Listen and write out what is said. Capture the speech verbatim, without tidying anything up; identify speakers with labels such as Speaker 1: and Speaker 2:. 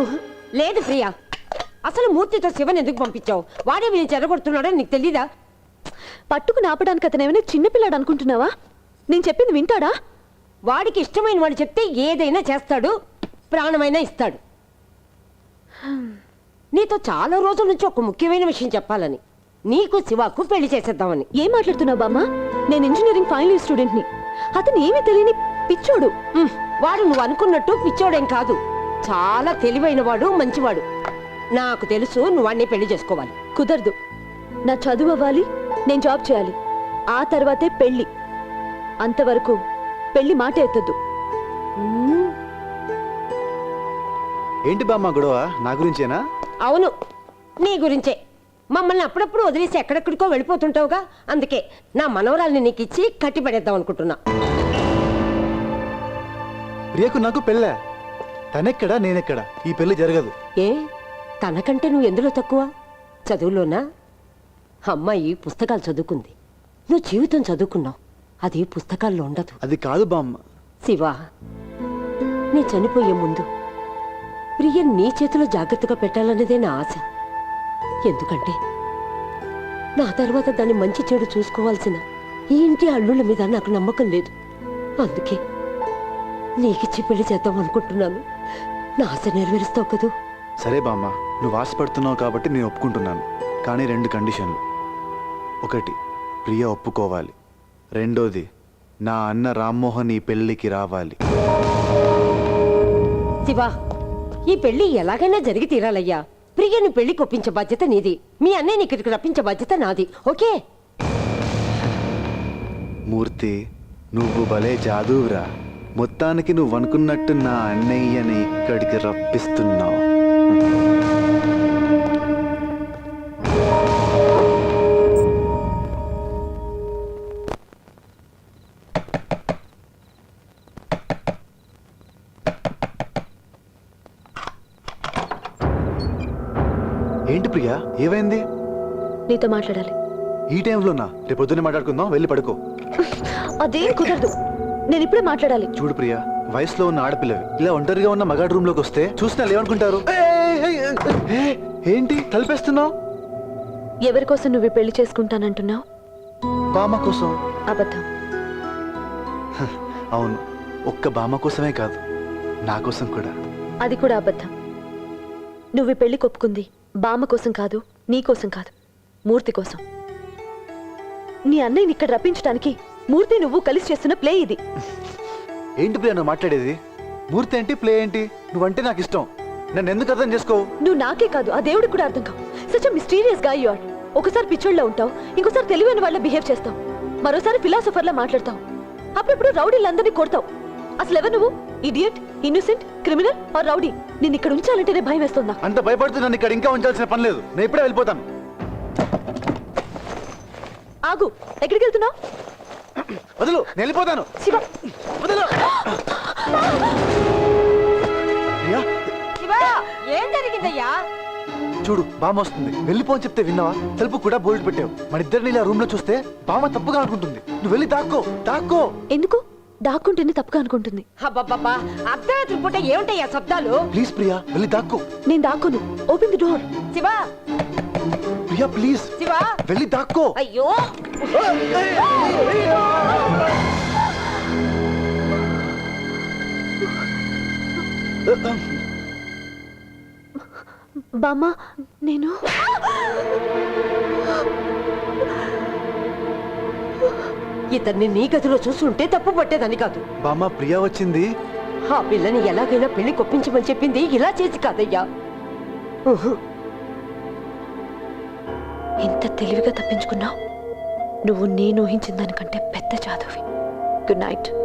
Speaker 1: లేదు ప్రియా, అసలు మూర్తితో శివన్ ఎందుకు పంపించావు? వాడే నేను చెరగొడుతున్నాడని నీకు తెలీదా?
Speaker 2: పట్టుకుని ఆపడానికి అతను ఏమైనా చిన్నపిల్లాడు అనుకుంటున్నావా? నేను చెప్పింది వింటాడా?
Speaker 1: వాడికి ఇష్టమైన వాడు చెప్తే ఏదైనా చేస్తాడు, ప్రాణమైనా ఇస్తాడు. నీతో చాలా రోజుల నుంచి ఒక ముఖ్యమైన విషయం చెప్పాలని, నీకు శివాకు పెళ్లి చేసేద్దామని.
Speaker 2: ఏం మాట్లాడుతున్నావు బామ్మ? నేను ఇంజనీరింగ్ ఫైనల్ ఇయర్ స్టూడెంట్ని. అతను ఏమీ తెలియని పిచ్చోడు.
Speaker 1: వాడు నువ్వు అనుకున్నట్టు పిచ్చోడేం కాదు, చాలా తెలివైన వాడు, మంచివాడు. నాకు తెలుసు నువ్వు వాడిని పెళ్లి చేసుకోవాలి.
Speaker 2: కుదరదు. నా చదువు అవ్వాలి, నేను జాబ్ చేయాలి, ఆ తర్వాతే పెళ్లి. అంతవరకు పెళ్లి మాట ఎత్తద్దు.
Speaker 3: ఏంటి బామ్మ గొడవ? నా గురించేనా?
Speaker 1: అవును, నీ గురించే. మమ్మల్ని అప్పుడప్పుడు వదిలేసి ఎక్కడెక్కడికో వెళ్ళిపోతుంటావుగా, అందుకే నా మనవరాల్ని నీకు ఇచ్చి కట్టి పడేద్దాం అనుకుంటున్నా.
Speaker 3: ప్రియకు నాకు పెళ్ళా? తనెక్కడా నేనెక్కడా? ఈ పెళ్లి జరగదు.
Speaker 1: ఏ, తనకంటే నువ్వు ఎందులో తక్కువ? చదువులోనా? అమ్మాయి పుస్తకాలు చదువుకుంది, నువ్వు జీవితం చదువుకున్నావు. అది పుస్తకాల్లో ఉండదు.
Speaker 3: అది కాదు బామ్మ.
Speaker 1: శివ, నీ చనిపోయే ముందు ప్రియ నీ చేతిలో జాగ్రత్తగా పెట్టాలన్నదే నా ఆశ. ఎందుకంటే నా తర్వాత దాన్ని మంచి చెడు చూసుకోవాల్సిన ఈ ఇంటి అల్లుళ్ళ మీద నాకు నమ్మకం లేదు. అందుకే నీకిచ్చి పెళ్లి చేద్దాం అనుకుంటున్నాను. నా ఆశ నెరవేరుస్తావు కదూ?
Speaker 3: సరే బామ్మ, నువ్వు ఆశపడుతున్నావు కాబట్టి నేను ఒప్పుకుంటున్నాను. కానీ రెండు కండిషన్లు. ఒకటి, ప్రియ ఒప్పుకోవాలి. రెండోది, నా అన్న రామ్మోహన్ ఈ పెళ్లికి రావాలి.
Speaker 1: శివా, ఈ పెళ్లి ఎలాగైనా జరిగి తీరాలయ్యా. ప్రియను పెళ్లి కొప్పించే బాధ్యత నీది, మీ అన్నయ్యని ఇక్కడికి రప్పించే బాధ్యత నాది. ఓకే?
Speaker 3: మూర్తి, నువ్వు భలే జాదువురా. మొత్తానికి నువ్వు అనుకున్నట్టు నా అన్నయ్యని ఇక్కడికి రప్పిస్తున్నావు. ఏంటి ప్రియా, ఏమైంది?
Speaker 2: నీతో మాట్లాడాలి.
Speaker 3: ఈ టైంలోనా? రేపు పొద్దున్నే మాట్లాడుకుందాం, వెళ్ళి పడుకో.
Speaker 2: అదే కుదరదు, నేను ఇప్పుడే మాట్లాడాలి.
Speaker 3: చూడు ప్రియా, వయసులో ఉన్న ఆడపిల్లవి ఇలా ఒంటరిగా ఉన్న మగాడు రూమ్ లోకి వస్తే చూసినా ఏమనుకుంటారు? ఏంటి తలిపేస్తున్నావు?
Speaker 2: ఎవరి కోసం నువ్వు పెళ్లి చేసుకుంటానంటున్నావు?
Speaker 3: బామ్మ కోసం.
Speaker 2: అబద్ధం.
Speaker 3: అవును, ఒక్క బామ్మ కోసమే కాదు, నా కోసం కూడా.
Speaker 2: అది కూడా అబద్ధం. నువ్వు పెళ్లి కొప్పుకుంది బామ్మ కోసం కాదు, నీ కోసం కాదు, మూర్తి కోసం. నీ అన్నయ్యని ఇక్కడ రప్పించడానికి మూర్తి నువ్వు కలిసి చేస్తున్న ప్లే ఇది.
Speaker 3: ఏంటి ప్రియా నువ్వు మాట్లాడేది? మూర్తి ఏంటి, ప్లే ఏంటి? నువ్వంటే నాకు ఇష్టం, నన్ను ఎందుకు అర్థం చేసుకోవు?
Speaker 2: నువ్వు నాకే కాదు, ఆ దేవుడికి కూడా అర్థం కావు. సచ్ ఎ మిస్టీరియస్ గా యు ఆర్. ఒకసారి పిచ్చోళ్ళ ఉంటావు, ఇంకోసారి తెలివైన వాళ్ళ బిహేవ్ చేస్తావు, మరోసారి ఫిలాసఫర్లా మాట్లాడతావు, అప్పుడప్పుడు రౌడీలందరినీ కొడతావు. అసలు ఎవరు నువ్వు? Idiot, innocent, criminal or rowdy? నేను ఇక్కడ ఉంచాలంటేనే భయం వేస్తుందా?
Speaker 3: అంత భయపడుతూ నన్ను ఇక్కడ ఇంకా ఉంచాల్సిన పని లేదు, నేను ఇప్పుడే వెళ్ళిపోతాను.
Speaker 2: ఆగు, ఎక్కడికి వెళ్తున్నావు?
Speaker 3: వదులు, నేను వెళ్ళిపోతాను.
Speaker 2: శివ,
Speaker 3: వదులు. ప్రియా,
Speaker 1: ఏం జరిగిందయ్యా?
Speaker 3: చూడు, బామ్మ వస్తుంది, వెళ్ళిపోని చెప్తే విన్నావా? తలుపు కూడా బోల్డ్ పెట్టావు. మన ఇద్దరిని ఇలా రూమ్ లో చూస్తే బామ్మ తప్పుగా అనుకుంటుంది. నువ్వు వెళ్ళి దాక్కో, దాక్కో.
Speaker 2: ఎందుకు దాక్కుంటేనే తప్పుగా అనుకుంటుంది?
Speaker 1: అబ్బబ్బబ్బా, అర్ధరాత్రి పూట ఏమిటయ్యా శబ్దాలు?
Speaker 3: ప్లీజ్ ప్రియా, వెళ్ళి దాక్కో.
Speaker 2: నేను దాక్కోను, open the door.
Speaker 1: Shiva,
Speaker 3: Priya please
Speaker 1: Shiva,
Speaker 3: వెళ్ళి దాక్కో.
Speaker 1: అయ్యో,
Speaker 2: బామ్మ, నేను
Speaker 1: ఇతన్ని నీ గదిలో చూస్తుంటే తప్పు పట్టేదని కాదు.
Speaker 3: బామ్మ, ప్రియా వచ్చింది.
Speaker 1: ఆ పిల్లని ఎలాగైనా పెళ్లి కొప్పించమని చెప్పింది, ఇలా చేసి కాదయ్యా.
Speaker 2: ఎంత తెలివిగా తప్పించుకున్నావు. నువ్వు నేను ఊహించిన దానికంటే పెద్ద జాదువి. Good night.